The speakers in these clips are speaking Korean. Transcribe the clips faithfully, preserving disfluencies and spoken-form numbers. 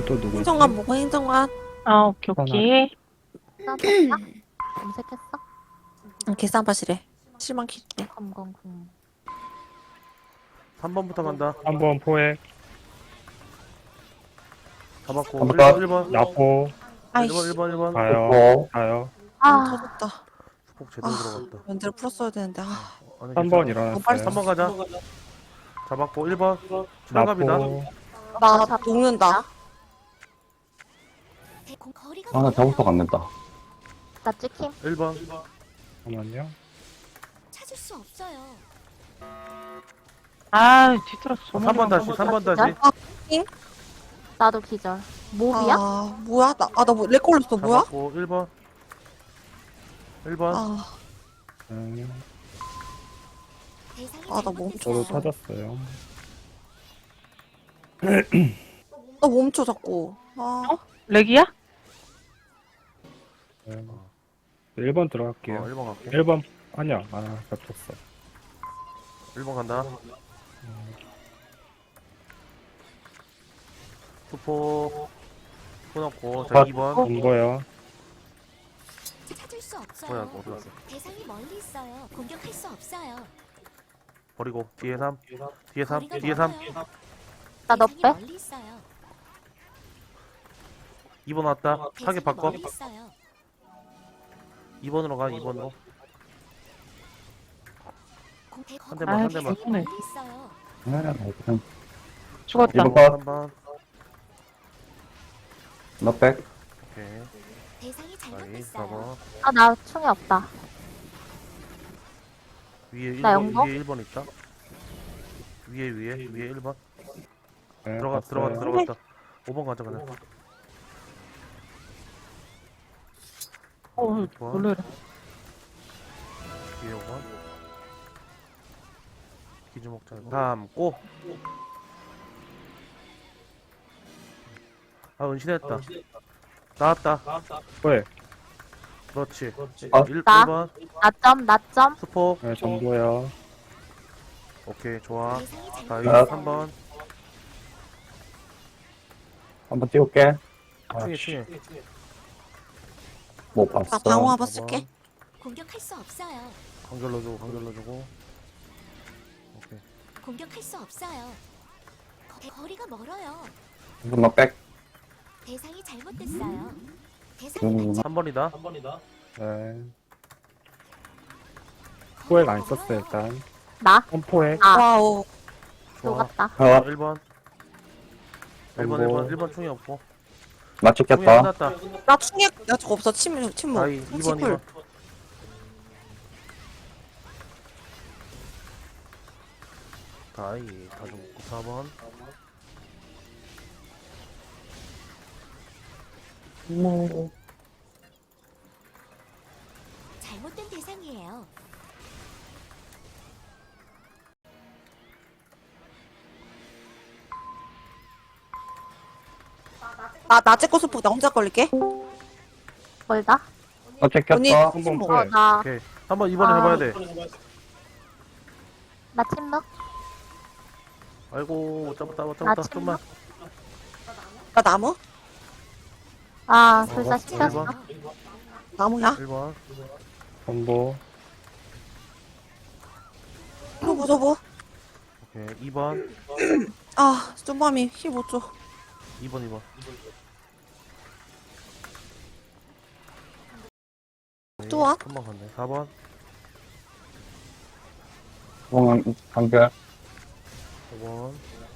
또 누구지? 행정관 보고 행정관. 아, 오케이, 오케이. 나왔다? 검색했어? 응, 계산바실에. 실망 킬게. 검검공. 삼 번부터 간다. 한 번 포획. 잡았고 한 일 번. 번 일 번 나포. 아이씨. 일 번 일 번 일 번 가요. 어, 가요. 아, 터졌다. 폭 제대로 아, 들어갔다. 면제를 풀었어야 되는데. 아, 아니, 삼 번 괜찮아. 일어났어요. 삼 번 가자. 잡았고 일 번 추가갑이다. 나포. 나 녹는다. 아, 저부터 갔는다. 나 찍힘. 일 번 잠깐만요. 찾을 수 없어요. 아, 뒤틀어서 삼 번 다시 삼 번 다시 나도 기절. 몹이야? 아, 뭐야? 나, 아, 나뭐렉 걸렸어. 뭐야? 잡았고 일 번 일 번 아, 음, 대상이 아, 나 멈춰. 저도 잘못됐어요. 터졌어요. 나 멈춰, 자꾸. 아, 어? 렉이야? 네. 일 번 어, 들어갈게요. 일 번 갈게. 일 번 아니야. 아, 겹쳤어. 일 번 간다. 투포 끊었고 자 컷. 이 번 안 보여. 찾을 수 없어요. 뭐야 어디 갔어? 대상이 멀리 있어요. 공격할 수 없어요. 버리고 뒤에 삼 뒤에 삼 거리가 뒤에 삼 멀어요. 나 너 대상이 빼? 멀리 있어요. 이 번 왔다. 타겟 대상이 바꿔. 멀리 있어요. 이 번으로 가. 이 번으로. 공- 대- 한 대만, 한 대상이 대만. 멀리 있어요. 아, 그냥 죽었다. 이번 번. 한 번. 너 백. 오케이. 대상이 아이 사 잘못됐어요. 번. 아, 나 충이 없다. 위에 일 나 번 영거? 위에 일 번 있다. 위에 위에 위에 일 번. 네, 들어가 봤어요. 들어갔다 들어갔다. 오 번 가자 그냥. 어, 좋아. 놀래라. 위에 오 번. 기주목 잘 담고. 아 은신했다. 나왔다. 포획. 그렇지. 아. 일 나. 번 나점, 나점. 스포. 네, 정보요. 오케이 좋아. 대상이 자 잘못. 이거 아. 삼 번. 한번 띄울게. 아, 충이 충이. 못 나 봤어. 방어 한번 쓸게. 공격할 수 없어요. 관결 넣어주고 관결 넣어주고. 오케이. 공격할 수 없어요. 거- 거리가 멀어요. 이번 너 백. 대상이 잘못됐어요. 대상이 음, 삼 번이다. 네. 포획 안 거리가 썼어요, 멀어요. 일단. 나? 한 포획. 아, 와우. 좋아. 녹았다. 어, 일 번. 일 번 정보. 일 번 일 번 충이 없고. 나 충이 찍혔다. 끝났다. 나 충격, 나 저거 없어. 침, 침묵. 다이 이 번 이 침풀. 번. 다이 다 죽고 사 번. 잘못된 대상이에요. 나, 나 찍고 스포. 나 혼자 걸릴게. 멀다? 너 언니, 찍혔다. 한 번 침묵. 어, 포획. 나, 오케이. 한번 이번에 아. 해봐야 돼. 나 침묵? 아이고 못 잡았다 못 나 잡았다 좀만. 나 나무? 아, 어, 불사 일 시켰어. 번 나무야? 일 번. 정보. 저보, 저보. 오케이 이 번 아, 쫌밤이 힘 못 줘. 이 번 이 번. 좋아. 한번 갔네. 사 번 공항 간결. 오 번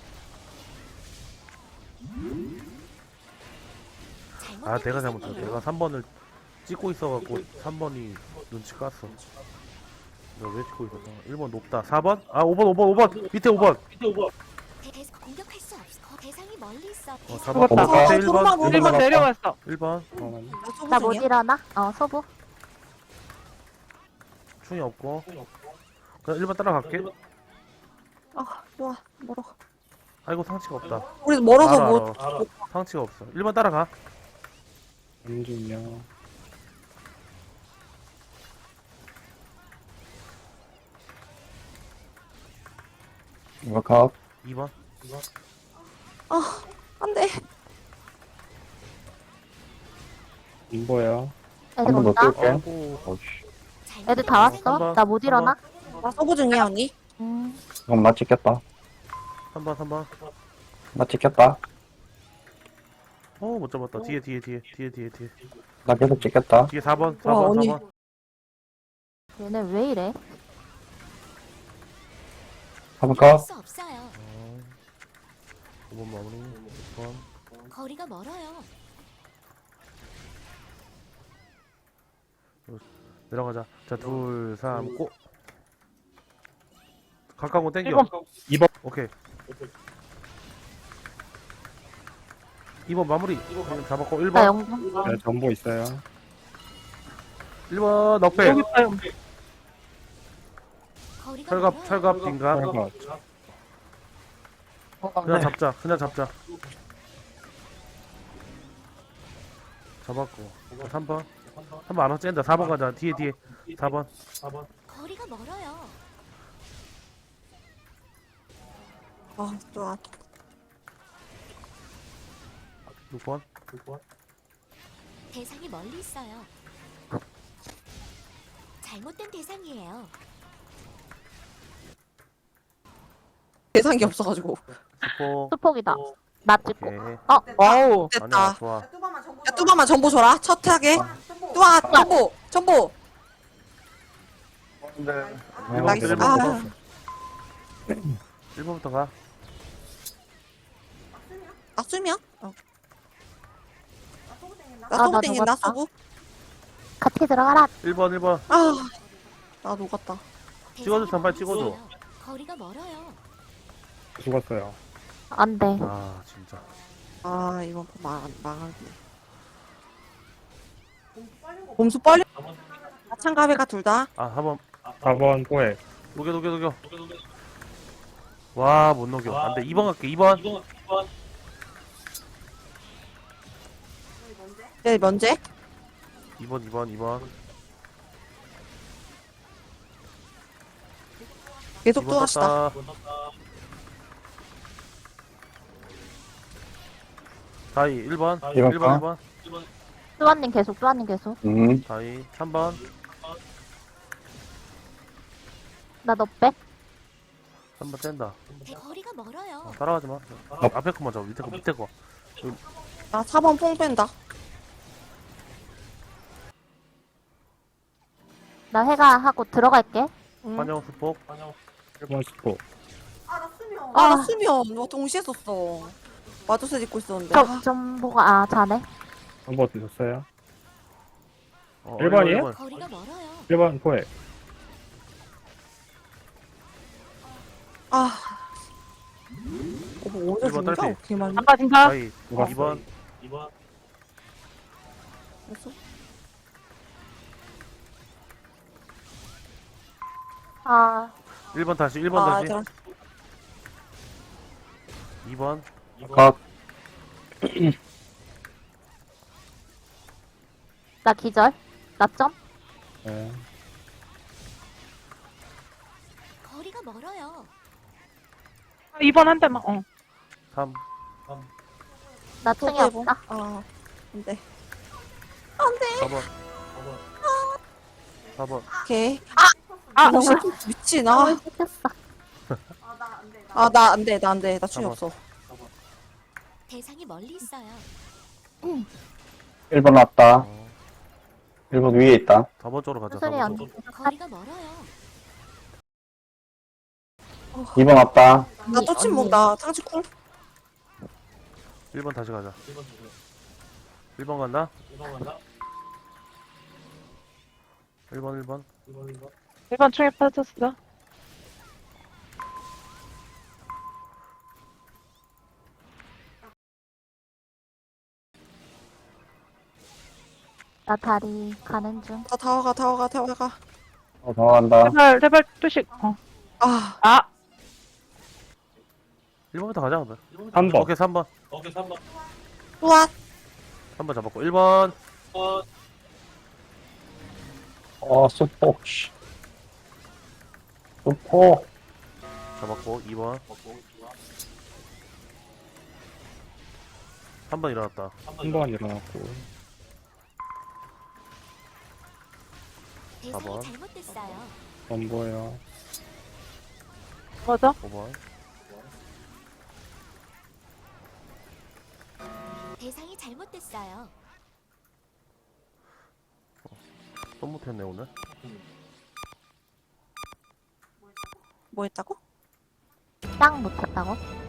아 잘못된 내가 잘못했어. 대상이에요. 내가 삼 번을 찍고 있어갖고 삼 번이 눈치 깠어. 내가 왜 찍고 있었어? 일 번 높다. 사 번? 아 오 번 오 번 오 번 밑에 오 번. 대- 대- 공격할 수 없어. 거- 대상이 멀리 있어. 어, 대상이 사 번. 죽었다. 밑에 아, 일 소름아, 번. 소름아. 일 번 내려왔어. 일 번. 잠깐만요. 나 소보 나 못 중이야. 일어나? 어, 소부. 충이 없고. 그냥 일 번 따라갈게. 아, 좋아. 멀어. 아이고 상치가 없다. 우리 멀어서 알아, 못. 알아. 상치가 없어. 일 번 따라가. 안중요. 이거 컵. 이 번. 아, 안 돼. 안 보여. 애들 한 번 더 온다. 띄울게. 아이고. 어이씨. 애들 다 왔어. 한번, 나 못 일어나. 나 서브 중이야, 언니. 음. 이건 나 찍겠다. 삼 번, 삼 번. 나 찍겠다. 어, 못 잡았다. 뒤에, 뒤에, 뒤에, 뒤에, 뒤에, 뒤에. 나 계속 찍겠다. 뒤에 사 번, 사 와, 번, 언니. 사 번. 얘네 왜 이래? 한번 할 까. 수 없어요. 어, 오 번 마무리. 육 번. 거리가 멀어요. 내려가자. 자, 둘, 삼, 고! 가까운 거 땡겨. 일 번. 이 번. 오케이. 이 번 마무리. 그냥 잡았고, 일 나 번. 영분. 네, 전보 있어요. 일 번, 넉백. 여기 있어요. 거리가 철갑, 멀어요. 철갑, 빈갑. 철갑. 그냥 잡자, 그냥 잡자. 잡았고. 삼 번. 삼 번 안 쨘다. 사 번 가자. 뒤에, 뒤에. 사 번. 거리가 멀어요. 아, 좋아. 육 번. 대상이 멀리 있어요. 잘못된 대상이에요. 대상이 없어가지고. 수포. 수폭이다. 나 찍고. 오케이. 어, 와우. 됐다. 아니야, 좋아. 야, 뚜바만 전보 줘라. 첫 타게. 뚜바, 전보, 전보. 나이스. 일 아, 번부터. 일 번부터 가. 낙수면? 어. 나 아, 서브 나 땡긴다, 녹았다. 서브. 같이 들어가라. 일 번, 일 번. 아, 나 녹았다. 찍어줘, 대상이 단발 멀리 찍어줘. 있어요. 거리가 멀어요. 죽었어요. 안 돼. 아, 진짜. 아, 이번 판 망, 망하네. 봄수 빨리. 마찬가베가 둘 다. 아, 사 번. 사 번 포획. 녹여, 녹여, 녹여. 와, 못 녹여. 안 돼. 이 번 갈게, 이 번. 네, 면제. 이 번, 이 번, 이 번. 계속 이 번 뚜합시다. 떴다. 다이, 일 번. 일 번 일 번, 가. 일 번. 뚜아님 계속, 뚜아님 계속. 음. 다이, 삼 번. 나 너 빼. 삼 번 뗀다. 대- 거리가 멀어요. 어, 따라가지 마. 아, 앞에 거만 잡아. 밑에 거, 밑에 거. 나 사 번 퐁 뺀다. 나 해가 하고 들어갈게. 응. 환영 수폭. 일 번 스포. 아, 아. 나 수면. 너 동시에 썼어. 마두스 입고 있었는데. 아, 저, 전보가, 아, 자네. 전보 드셨어요? 어, 일 번이에요? 일 번. 거리가 멀어요. 일 번 포획. 아. 어, 뭐 어제 일번 진짜 딸피. 개 많이 아빠 진짜. 다이, 누가 이 번. 했어? 아, 일 번 다시, 일 번 아, 다시. 얘들아. 이 번. 각. 나 기절. 나 점. 네. 거리가 멀어요. 이 번 한 대만. 어. 삼. 나 층이 또 해보. 없다. 아, 안 돼. 사 번. 사 번. 오케이. 아, 아, 미친. 아, 아, 시켰어. 아, 나 안 돼. 나 안 돼. 나 춤이 잠깐만. 없어. 대상이 멀리 있어요. 일 번 왔다. 어, 일 번 위에 있다. 사 번 쪽으로 가자. 사 수술이 번 안 쪽으로. 거리가 멀어요. 이 번 왔다. 나 또 침묵. 나 상치 쿵. 일 번 다시 가자. 일 번 간다. 일 번, 일 번. 일 번 충에 빠졌어. 나 다리 가는 중. 나 다와가, 다와가, 다와가. 어, 더 간다. 제발, 제발, 투식. 어. 아, 아, 일 번부터 가자, 그러면. 삼 번. 오케이, 삼 번. 뚜아. 삼 번 잡았고. 일 번. 어, 수폭. 씨. 수폭. 잡았고. 이 번. 삼 번 일어났다. 한 번 일어났고. 대상이 번. 잘못됐어요. 안 보여. 맞아? 오 번. 대상이 잘못됐어요. 또 못했네 오늘. 뭐 했다고? 딱 못했다고?